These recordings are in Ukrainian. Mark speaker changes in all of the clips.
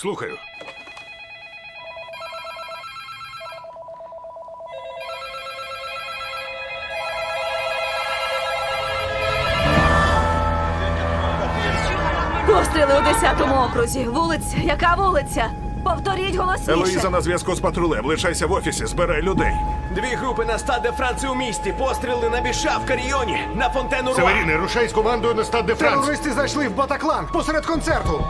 Speaker 1: Слухаю.
Speaker 2: Постріли у 10-му окрузі. Вулиця. Яка вулиця? Повторіть голосніше.
Speaker 1: Елоїза на зв'язку з патрулем. Лишайся в офісі, збирай людей.
Speaker 3: Дві групи на Стад де Франс у місті. Постріли на Біша в Каріоні, на Фонтену Руа.
Speaker 4: Северіни, рушай з командою на Стад де Франс.
Speaker 5: Терористи зайшли в Батаклан посеред концерту.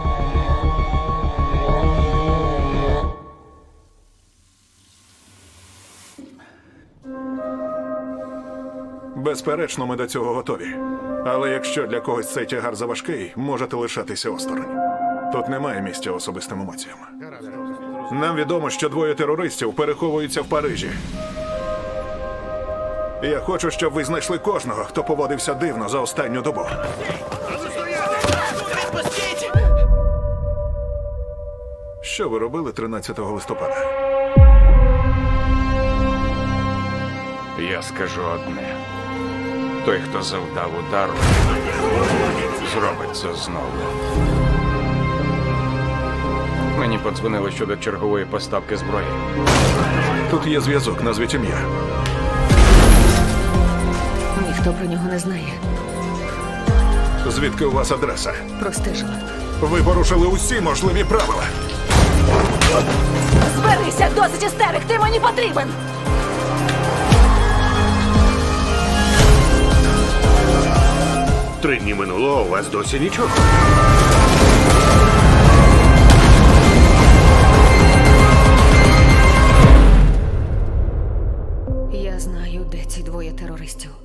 Speaker 1: Безперечно, ми до цього готові. Але якщо для когось цей тягар заважкий, можете лишатися осторонь. Тут немає місця особистим емоціям. Нам відомо, що двоє терористів переховуються в Парижі. Я хочу, щоб ви знайшли кожного, хто поводився дивно за останню добу. Що ви робили 13 листопада?
Speaker 6: Я скажу одне. Той, хто завдав удару, зробить це знову. Мені подзвонили щодо чергової поставки зброї.
Speaker 1: Тут є зв'язок, назвіть ім'я.
Speaker 2: Ніхто про нього не знає.
Speaker 1: Звідки у вас адреса?
Speaker 2: Простежила.
Speaker 1: Ви порушили усі можливі правила.
Speaker 2: Зберися, досить істерик, ти мені потрібен!
Speaker 4: Три дні минуло, а у вас досі нічого.
Speaker 2: Я знаю, де ці двоє терористів.